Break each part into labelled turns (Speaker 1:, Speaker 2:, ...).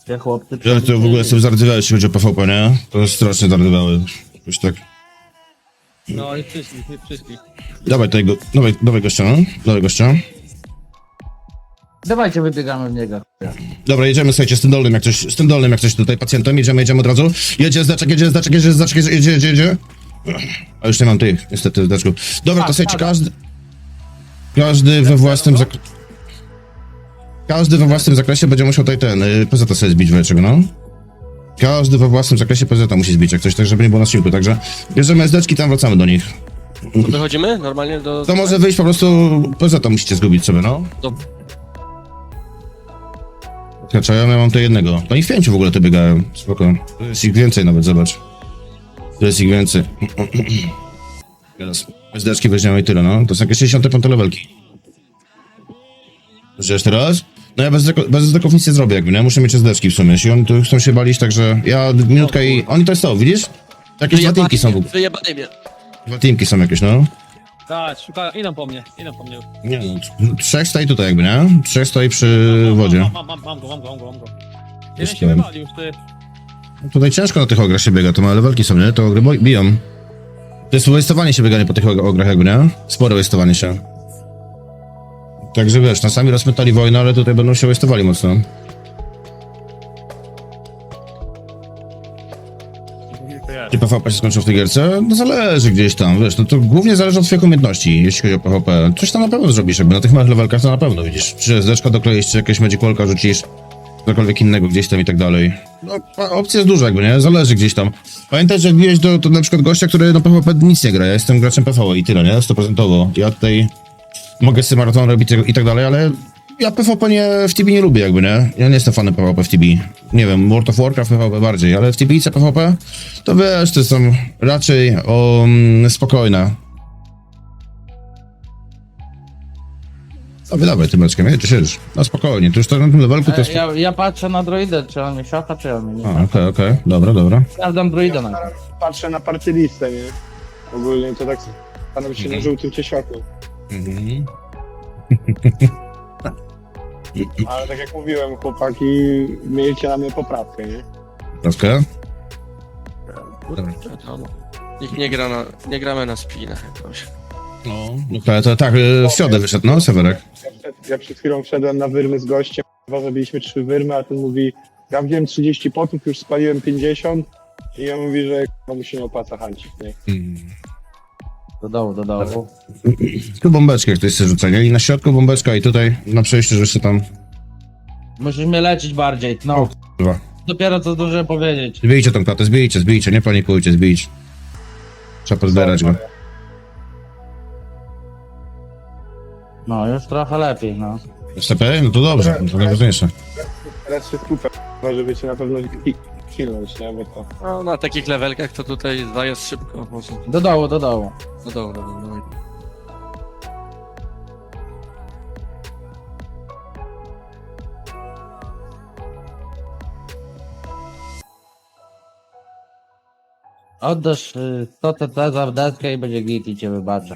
Speaker 1: Te chłopcy...
Speaker 2: Ja to w ogóle sobie zardywały, jeśli chodzi o PvP, nie? To jest strasznie zardywały. Jakoś tak.
Speaker 3: No i przyszli.
Speaker 2: Dawaj tego, dawaj gościa, no. Dawaj gościa.
Speaker 1: Dawajcie, wybiegamy w niego.
Speaker 2: Dobra, jedziemy, słuchajcie, z tym dolnym jak coś tutaj pacjentem, jedziemy od razu. Jedzie zdaczek, jedzie. A już nie mam tych, niestety, zdaczków. Dobra, to słuchajcie, każdy we własnym każdy we własnym zakresie będzie musiał tutaj PZ sobie zbić w czego, no. Każdy we własnym zakresie PZ musi zbić, jak coś, tak żeby nie było na siłku, także bierzemy SDczki, tam wracamy do nich.
Speaker 3: To wychodzimy normalnie do...
Speaker 2: To może wyjść po prostu, PZ musicie zgubić sobie, no.
Speaker 3: Dobra.
Speaker 2: Znaczy, ja mam tu jednego. No i w 5 w ogóle to biegają. Spoko. To jest ich więcej nawet, zobacz. To jest ich więcej. Teraz SDczki weźmiemy i tyle, no. To są jakieś 65 levelki. Żyjesz teraz? No ja bez SDków nic nie zrobię jakby, nie? Muszę mieć SDczki w sumie. Jeśli oni tu chcą się balić, także ja minutka i... Oni to jest to, widzisz? Jakieś dwa teamki są w ogóle.
Speaker 3: Wyjebali mnie.
Speaker 2: Dwa teamki są jakieś, no.
Speaker 3: Tak, szukają, idą po mnie.
Speaker 2: Nie no, 3 stoi tutaj jakby, nie? 3 stoi przy wodzie.
Speaker 3: Mam go. Jeden
Speaker 2: Jest
Speaker 3: się
Speaker 2: ten.
Speaker 3: wywalił, ty.
Speaker 2: Tutaj ciężko na tych ograch się biega, to małe levelki są, nie? To ogry biją. To jest waste'owanie się bieganie po tych ograch jakby, nie? Spore waste'owanie się. Także wiesz, no sami rozmytali wojnę, ale tutaj będą się waste'owali mocno. Czy PvP się skończył w tej gierce? No zależy gdzieś tam, wiesz, no to głównie zależy od twoich umiejętności, jeśli chodzi o PvP. Coś tam na pewno zrobisz, jakby na tych małych levelkach to na pewno, widzisz. Czy SDczka dokleisz, czy jakieś magicalka rzucisz, cokolwiek innego gdzieś tam i tak dalej. No, opcja jest duża jakby, nie? Zależy gdzieś tam. Pamiętaj, że jak bijesz do na przykład gościa, który na PvP nic nie gra, ja jestem graczem PvE i tyle, nie? 100%. Ja tutaj mogę sobie maraton robić i tak dalej, ale ja PvP w TB nie lubię jakby, nie? Ja nie jestem fanem PvP w TB. Nie wiem, World of Warcraft PvP bardziej, ale w TB PvP to wiesz, to są raczej spokojne. Dawaj tym leczkiem, jedziesz. No spokojnie, tu już to na tym levelku to jest...
Speaker 1: Ja patrzę na droidę, czy on mnie szacha, czy on mnie nie.
Speaker 2: A, okej, dobra.
Speaker 1: Sprawdzam droidę na
Speaker 4: Patrzę na party listę, nie? Ogólnie to tak staram się na żółtym czy światło.
Speaker 2: Mhm.
Speaker 4: Ale tak jak mówiłem, chłopaki, miejcie na mnie poprawkę, nie?
Speaker 2: Troszkę?
Speaker 3: Wiadomo. Nikt nie gramy na spinach jakoś.
Speaker 2: No to tak, w środę wyszedł, no, Sewerek.
Speaker 4: Ja przed chwilą wszedłem na wyrmy z gościem, zabiliśmy 3 wyrmy, a ten mówi, ja wziąłem 30 potów, już spaliłem 50 i on mówi, że mu się nie opłaca hańcić, nie?
Speaker 1: Do dołu.
Speaker 2: Tu bombeczkę ktoś chce rzucenia i na środku bombeczka i tutaj na przejściu, że się tam...
Speaker 1: Musisz mnie leczyć bardziej, no.
Speaker 2: Kurwa.
Speaker 1: Dopiero co zdążyłem powiedzieć.
Speaker 2: Zbijcie tą klatę, zbijcie, nie panikujcie, zbijcie. Trzeba pozbierać go.
Speaker 1: No, już trochę lepiej, no.
Speaker 2: STP? No to dobrze, to najważniejsze.
Speaker 4: Teraz się skupę, żeby cię na pewno kilnąć, nie? Bo to...
Speaker 3: No, na takich levelkach to tutaj zajazd szybko. Może.
Speaker 1: Do dołu.
Speaker 3: No dobra.
Speaker 1: Oddasz 100 TT za deskę i będzie git i cię wybaczę.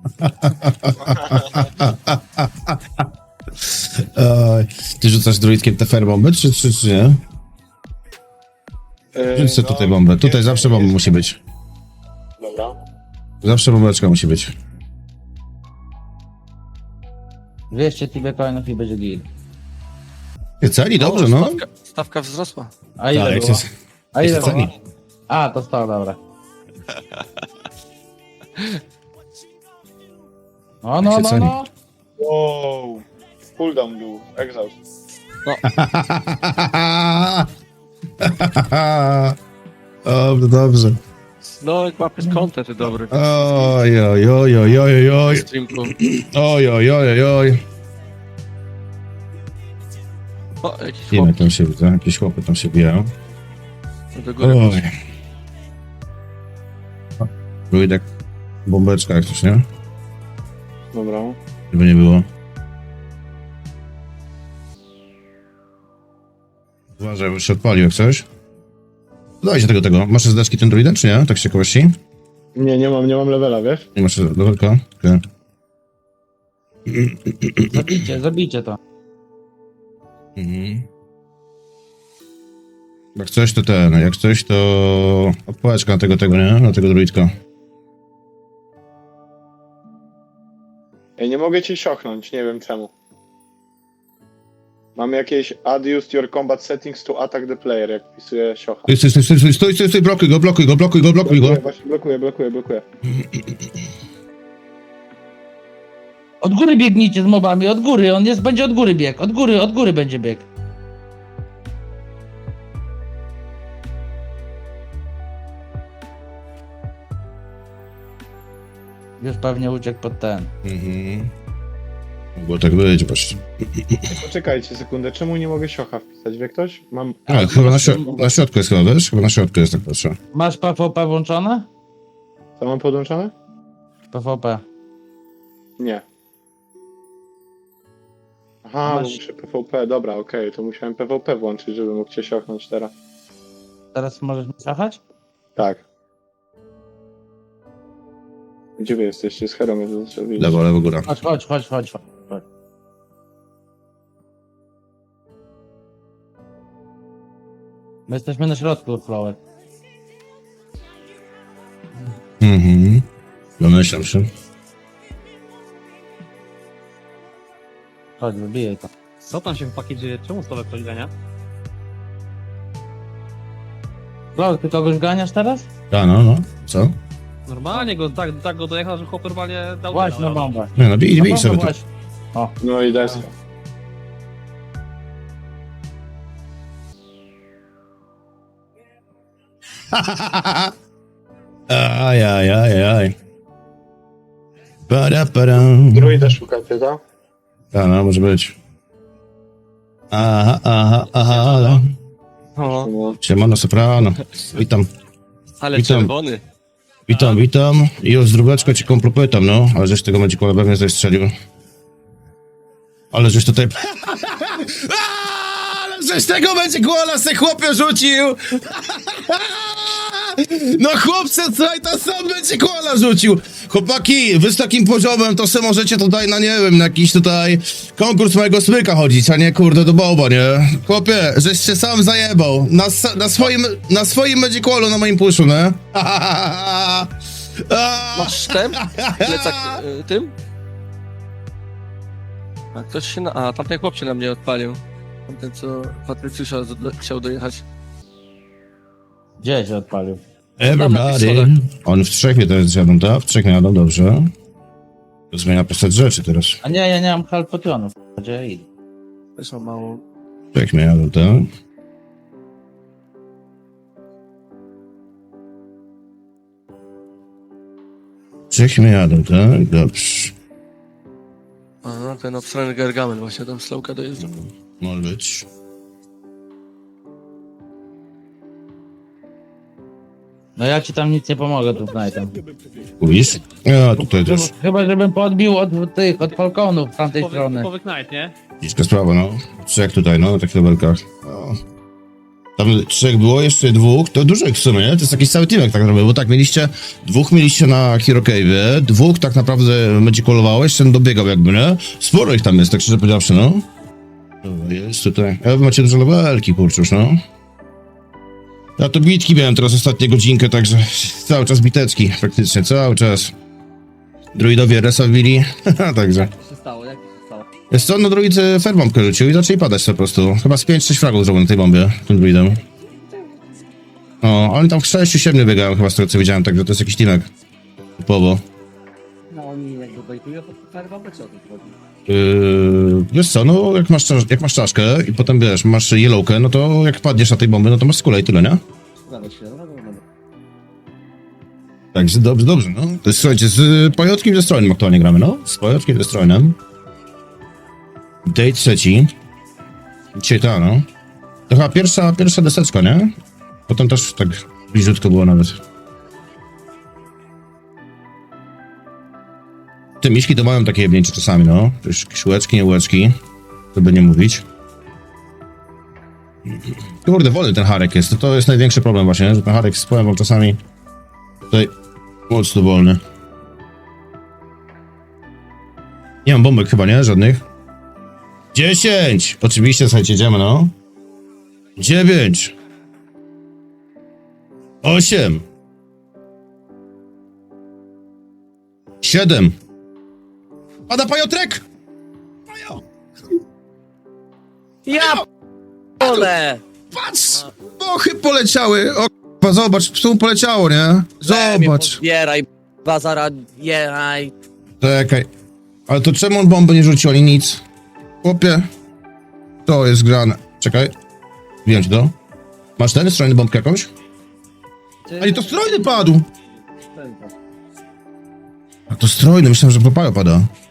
Speaker 2: Ty rzucasz druidkiem te fair bomby, czy nie? Rzuć sobie tutaj bombę. Tutaj zawsze bomba musi być.
Speaker 4: Dobra.
Speaker 2: Zawsze bombeczka musi być.
Speaker 1: 200 TB coinów i będzie git.
Speaker 2: Celi, dobrze, no.
Speaker 3: Stawka wzrosła.
Speaker 1: A ile
Speaker 2: Tak,
Speaker 1: było?
Speaker 2: jest,
Speaker 1: A ile
Speaker 2: jest
Speaker 1: było?
Speaker 2: ceni.
Speaker 1: A, to 100, dobra.
Speaker 2: się ceni.
Speaker 1: No.
Speaker 4: Wow. Cooldown był, exhaust.
Speaker 2: Dobrze.
Speaker 3: No, jak łapiesz content dobry.
Speaker 2: Oj.
Speaker 3: Streamku.
Speaker 2: Oj.
Speaker 3: O, jakiś
Speaker 2: Wiemy,
Speaker 3: chłop
Speaker 2: tam się widzą, jakieś chłopy tam się bijają.
Speaker 3: do góry.
Speaker 2: Oj. Druidek, bombeczka jak coś, nie?
Speaker 4: Dobra.
Speaker 2: Żeby nie było. Uważaj, bo się odpalił jak coś. Dajcie tego. Masz zdeczki ten druidem, czy nie? Tak z ciekawości?
Speaker 4: Nie mam levela, wiesz?
Speaker 2: Nie masz levelka? Okay.
Speaker 1: Zabijcie to.
Speaker 2: Mhm. Jak coś to opłeczka na tego, nie? Na tego druidka.
Speaker 4: Ja nie mogę cię siochnąć, nie wiem czemu. Mam jakieś adjust your combat settings to attack the player, jak wpisuję siocha.
Speaker 2: Stój, blokuj go.
Speaker 4: Właśnie blokuję.
Speaker 1: Od góry biegnijcie z mobami, od góry, będzie od góry bieg, od góry będzie bieg. Już pewnie uciekł pod ten.
Speaker 2: Mogło tak być właśnie.
Speaker 4: Poczekajcie sekundę, czemu nie mogę siocha wpisać, wie ktoś? Mam...
Speaker 2: A, chyba na środku jest chyba, wiesz? Chyba na środku jest, tak patrzę.
Speaker 1: Masz PvP włączone?
Speaker 4: Co mam podłączone?
Speaker 1: PvP.
Speaker 4: Nie. Aha, bo
Speaker 1: Masz-
Speaker 4: muszę PvP, dobra, okej, to musiałem PvP włączyć, żeby mógł cię siochnąć teraz.
Speaker 1: Teraz możesz mi słuchać?
Speaker 4: Tak. Gdzie wy jesteście? Z Herą mnie zostawili.
Speaker 2: Lewo, góra.
Speaker 1: Chodź. My jesteśmy na środku, Flower.
Speaker 2: Domyślam się.
Speaker 1: Chodź, wybijaj to.
Speaker 5: Co tam się chłopaki dzieje? Czemu stolek ktoś gania?
Speaker 1: Flower, ty kogoś ganiasz teraz?
Speaker 2: A, no. Co?
Speaker 5: Normalnie go, tak go dojechał, że chłop normalnie dał
Speaker 1: Właśnie na
Speaker 5: dnia,
Speaker 1: bombę.
Speaker 2: Nie, no bij sobie to.
Speaker 1: Właśnie. O,
Speaker 4: No i deska.
Speaker 2: Aj. Padam.
Speaker 4: Druida szukacie, tak?
Speaker 2: A, no, może być. Aha.
Speaker 3: O,
Speaker 4: No.
Speaker 2: Siemano, soprano. Witam.
Speaker 3: ale
Speaker 2: Witam.
Speaker 3: czerwony.
Speaker 2: Witam. I już z drugeczką ci kompletam, no. Ale żeś tego Magicola pewnie zestrzelił. Ale żeś tutaj... Ale żeś tego Magicola se chłopie rzucił! No chłopcze, słuchaj, to sam Magicola rzucił! Chłopaki, wy z takim poziomem to se możecie tutaj na, nie wiem, na jakiś tutaj konkurs mojego smyka chodzić, a nie kurde do boba, nie? Chłopie, żeś się sam zajebał. Na swoim Magicolu, na moim puszu, nie?
Speaker 3: Masz sztem? Plecak tym? A ktoś się a tamten chłop się na mnie odpalił. Tamten, co Patrycjusza chciał dojechać.
Speaker 1: gdzie się odpalił?
Speaker 2: Everybody. On w trzech mnie teraz zjadą, tak? W trzech mnie jadą, dobrze. To zmienia postać rzeczy teraz.
Speaker 1: A nie, ja nie mam halpotionów. Gdzie ja idę?
Speaker 3: Też mam mało.
Speaker 2: W trzech mnie jadą, tak? W trzech mnie jadą, tak? Dobrze.
Speaker 3: A no, ten obstrany Gargamel właśnie tam slowka dojeżdża.
Speaker 2: Może być.
Speaker 1: No ja ci tam nic nie pomogę tu Knightem.
Speaker 2: Mówisz? Ja tutaj też.
Speaker 1: Chyba żebym podbił od falconów z tamtej strony.
Speaker 5: Typowy Knight, nie?
Speaker 2: Bliska sprawa, no. Trzech tutaj, no, na takich levelkach. No. Tam trzech było, jeszcze dwóch, to dużo ich w sumie, nie? To jest jakiś cały teamek tak naprawdę, bo tak, dwóch mieliście na Hero Cave'ie, dwóch tak naprawdę Magicolowało, jeszcze ten dobiegał jakby, nie? Sporo ich tam jest, tak szczerze powiedziawszy, no. Dobra, jest tutaj. Ja wy macie duże levelki, kurczusz, no. Ja to bitki miałem teraz ostatnią godzinkę, także cały czas biteczki, praktycznie, cały czas. Druidowie resa wbili, także.
Speaker 5: Co się stało? Jak to się stało?
Speaker 2: Jest co, no druid fairbombkę rzucił i zaczęli padać po prostu. Chyba z 5-6 fragów zrobił na tej bombie, tym druidem. O, oni tam w 6-7 biegają chyba z tego co widziałem, także to jest jakiś teamek. Typowo.
Speaker 5: No oni jakby bejtują, to ferwa by co tu chodzi?
Speaker 2: Wiesz co, no jak masz czaszkę i potem wiesz, masz yellowkę, no to jak padniesz na tej bomby, no to masz skulę i tyle, nie?
Speaker 5: Zgadza się, no.
Speaker 2: Także dobrze, no. To jest, słuchajcie, z Pojotkiem i ze Strojnem aktualnie gramy, no. Z Pojotkiem i ze Strojnem. Day trzeci. Dzisiaj ta, no. To chyba pierwsza deseczka, nie? Potem też tak bliziutko było nawet. Te miśki to mają takie jebnięcie czasami, no. To już jakieś łeczki, nie łeczki. To by nie mówić. Kurde, wolny ten Harek jest. To jest największy problem właśnie, że ten Harek z powiem wam czasami tutaj mocno wolny. Nie mam bombek chyba, nie? Żadnych. 10! Oczywiście, słuchajcie, idziemy, no. 9! 8. 7. Pada Pajotrek! Pajo!
Speaker 5: Ja p***ole!
Speaker 2: Patrz! Bochy poleciały! O k***a, zobacz, tu poleciało, nie? Zobacz.
Speaker 5: Zbieraj, bazara, bieraj.
Speaker 2: Czekaj. Ale to czemu on bomby nie rzucił, ani nic? Chłopie. To jest grane. Czekaj. Wiem ci to. Masz ten strojny bombkę jakąś? Ale to strojny padł! A to strojny, myślałem, że popaja pada.